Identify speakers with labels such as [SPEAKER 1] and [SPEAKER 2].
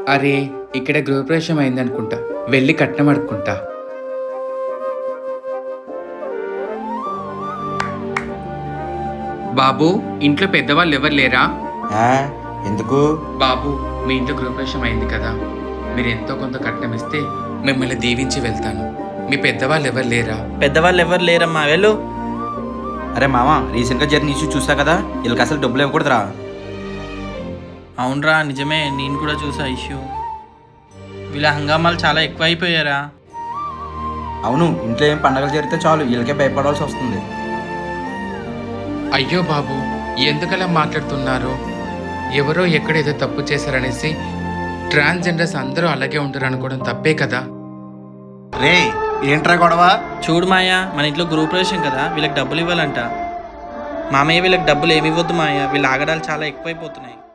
[SPEAKER 1] అరే, ఇక్కడ గృహప్రవేశం అయిందనుకుంటా. వెళ్ళి కట్నం అడుక్కుంటా. బాబు, ఇంట్లో పెద్దవాళ్ళు ఎవరు లేరా?
[SPEAKER 2] ఆ, ఎందుకు?
[SPEAKER 1] బాబు, మీ ఇంట్లో గృహప్రవేశం అయింది కదా, మీరు ఎంతో కొంత కట్నం ఇస్తే మిమ్మల్ని దీవించి వెళ్తాను. మీ పెద్దవాళ్ళు ఎవరు లేరా?
[SPEAKER 3] పెద్దవాళ్ళు ఎవరు లేరమ్మా, వెళ్ళు.
[SPEAKER 2] అరే మామ, రీసెంట్గా జరిగిన ఇష్యూ చూసా కదా, వీళ్ళకి అసలు డబ్బులు ఇవ్వకూడదురా.
[SPEAKER 3] అవునరా, నిజమే, నేను కూడా చూసా ఇష్యూ. వీళ్ళ హంగామాలు చాలా ఎక్కువ అయిపోయారా.
[SPEAKER 2] అవును, ఇంట్లో ఏం పండగలు జరిగితే చాలు వీళ్ళకే భయపడాల్సి వస్తుంది.
[SPEAKER 1] అయ్యో బాబు, ఎందుకలా మాట్లాడుతున్నారు? ఎవరో ఎక్కడేదో తప్పు చేశారనేసి ట్రాన్స్జెండర్స్ అందరూ అలాగే ఉంటారు అనుకోవడం తప్పే కదా.
[SPEAKER 4] రే, ఏంట్రా గొడవ?
[SPEAKER 3] చూడు మాయా, మన ఇంట్లో గృహప్రవేశం కదా, వీళ్ళకి డబ్బులు ఇవ్వాలంట. మామయ్య, వీళ్ళకి డబ్బులు ఏమి ఇవ్వద్దు మాయా, వీళ్ళ ఆగడాలు చాలా ఎక్కువైపోతున్నాయి.